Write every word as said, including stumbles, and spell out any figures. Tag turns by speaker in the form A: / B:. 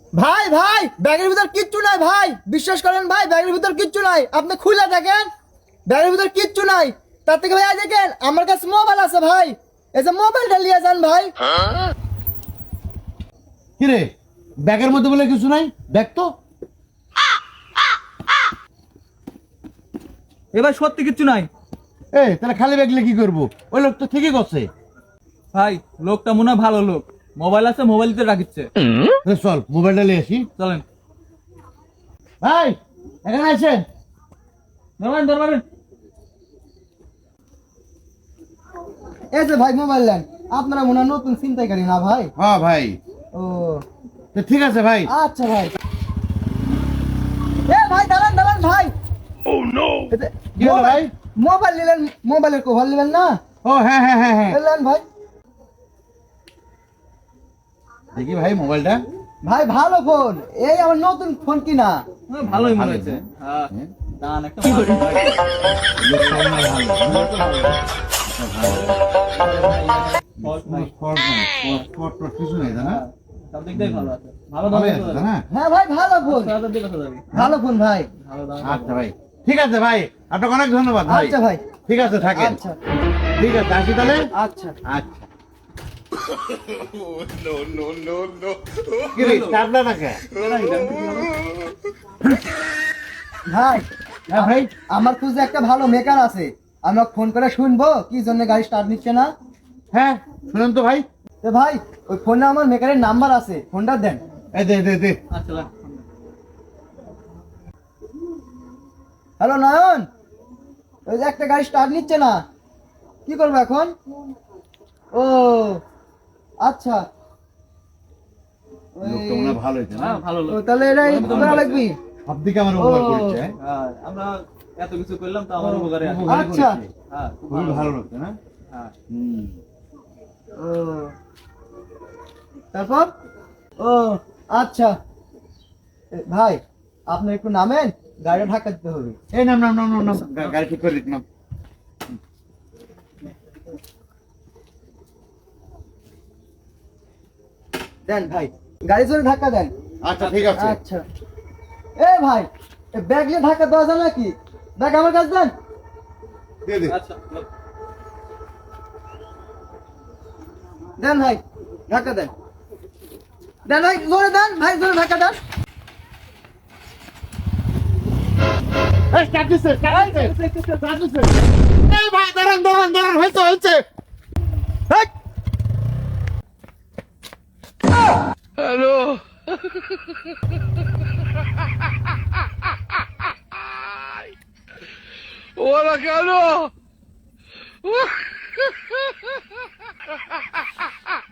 A: ভাই ভাই ব্যাগের ভিতর কিচ্ছু নাই ভাই, বিশ্বাস করেন ভাই, ব্যাগের ভিতর কিচ্ছু নাই। আপনি খুলে দেখেন, ব্যাগের ভিতর কিচ্ছু নাই। তার থেকে ভাই দেখেন আমার কাছে মোবাইল আছে ভাই, এই যে মোবাইলটা নিয়ে যান ভাই।
B: কিরে ব্যাগের মধ্যে বলে কিছু নাই? দেখ তো।
C: এবার সত্যি কিচ্ছু নাই।
B: এ তাহলে খালি ব্যাগ নিয়ে কি করবো? ওই লোক তো ঠিকই করছে।
C: ভাই লোকটা মনে হয় ভালো লোক, মোবাইল আছে, মোবাইল দিতে রাখিচ্ছে।
B: এ চল মোবাইলটা নিয়ে আসি।
C: চলেন
B: ভাই এখানে আছেন?
C: ধরবেন ধরবেন।
A: এই যে ভাই মোবাইল নেন, আপনারা মনে হয় নতুন ছিনতাইকারী না ভাই?
B: হ্যাঁ ভাই।
A: ও
B: তো ঠিক আছে ভাই।
A: আচ্ছা ভাই। এ ভাই দাঁড়ান দাঁড়ান ভাই। ও নো,
B: কি হলো ভাই?
A: মোবাইল নিলেন, মোবাইলের কভার নেবেন না?
B: ও হ্যাঁ হ্যাঁ হ্যাঁ হ্যাঁ
A: নেন ভাই।
B: দেখি ভাই মোবাইলটা।
A: ভাই ভালো ফোন, এই আমার নতুন ফোন কিনা।
C: হ্যাঁ, ভালোই মনে
B: ভালো
C: হয়েছে।
B: হয়েছে।
C: হ্যাঁ
B: হ্যাঁ।
C: দান একটা ভালো ভাই।
B: লোকটা মনে হয় ভালো।
C: ফল্ট নাই।
B: স্পট নাই, স্পট স্পট টট কিছু নাই তাই না?
C: সব দিক দিয়ে ভালো আছে। ভালো দাম
B: ভালোই আছে তাই না?
A: হ্যাঁ ভাই ভালো ফোন,
C: ছয় হাজার দিয়ে কথা যাবে।
A: ভালো ফোন ভাই।
C: ভালো দাম।
B: আচ্ছা ভাই ঠিক আছে ভাই, আপনাকে অনেক ধন্যবাদ ভাই।
A: আচ্ছা ভাই।
B: ঠিক আছে থাকেন।
A: আচ্ছা
B: ঠিক আছে আসি তাহলে।
A: আচ্ছা।
B: আচ্ছা কি রে চাপলা না কে?
A: ভাই
B: হ্যাঁ ভাই।
A: আমার খুঁজে একটা ভালো মেকার আছে, আমরা ফোন করে শুনবো কি জন্য গাড়ি স্টার্ট নিচ্ছে না।
B: হ্যাঁ শুনুন তো ভাই।
A: তো ভাই ওই ফোনে আমার মেকারের নাম্বার আছে, ফোনটা দেন।
B: এই দে দে দে।
C: আচ্ছা লাগ।
A: হ্যালো নয়ন, ওই যে একটা গাড়ি স্টার্ট নিচ্ছে না, কি করবো এখন? ও আচ্ছা, ওই-
B: লোকটা মনে হয় ভালো হয়েছে না?
C: হ্যাঁ ভালো
A: ও,
C: লোক।
A: তাহলে এটাই করা লাগবি।
B: সব দিকে আমার উপকার
A: ও।
B: করছে। হ্যাঁ?
C: হ্যাঁ আমরা এত কিছু করলাম তো আমার উপকারে আছে।
B: উপকার
A: আচ্ছা।
B: করেছে।
C: হ্যাঁ খুব
B: খুবই
C: ভালো।
B: ভালো লোক না?
C: হ্যাঁ
B: হুম।
A: ও তারপর ও আচ্ছা। এ, ভাই আপনি একটু নামেন, গাড়িটা ঢাকা দিতে হবে।
B: এই নাম নাম নাম নাম নাম গা- গাড়ি ঠিক করে দিক নাম।
A: দেন ভাই, গাড়ি জোরে ধাক্কা দেন।
B: আচ্ছা ঠিক আছে।
A: আচ্ছা এ ভাই, এ ব্যাগ নিয়ে ধাক্কা দেওয়া যায় নাকি? ব্যাগ আমার কাছে দেন।
B: দে দে।
C: আচ্ছা লোক।
A: দেন ভাই, ধাক্কা দেন। দেন ভাই, জোরে দেন ভাই, জোরে ধাক্কা দেন।
B: এই স্টার্ট দিছে, স্টার্ট দিছে, স্টার্ট দিছে। এই ভাই দাঁড়ান দাঁড়ান দাঁড়ান, হয়েছে হয়েছে।
A: হেই!
D: ¡Hola, cabrón!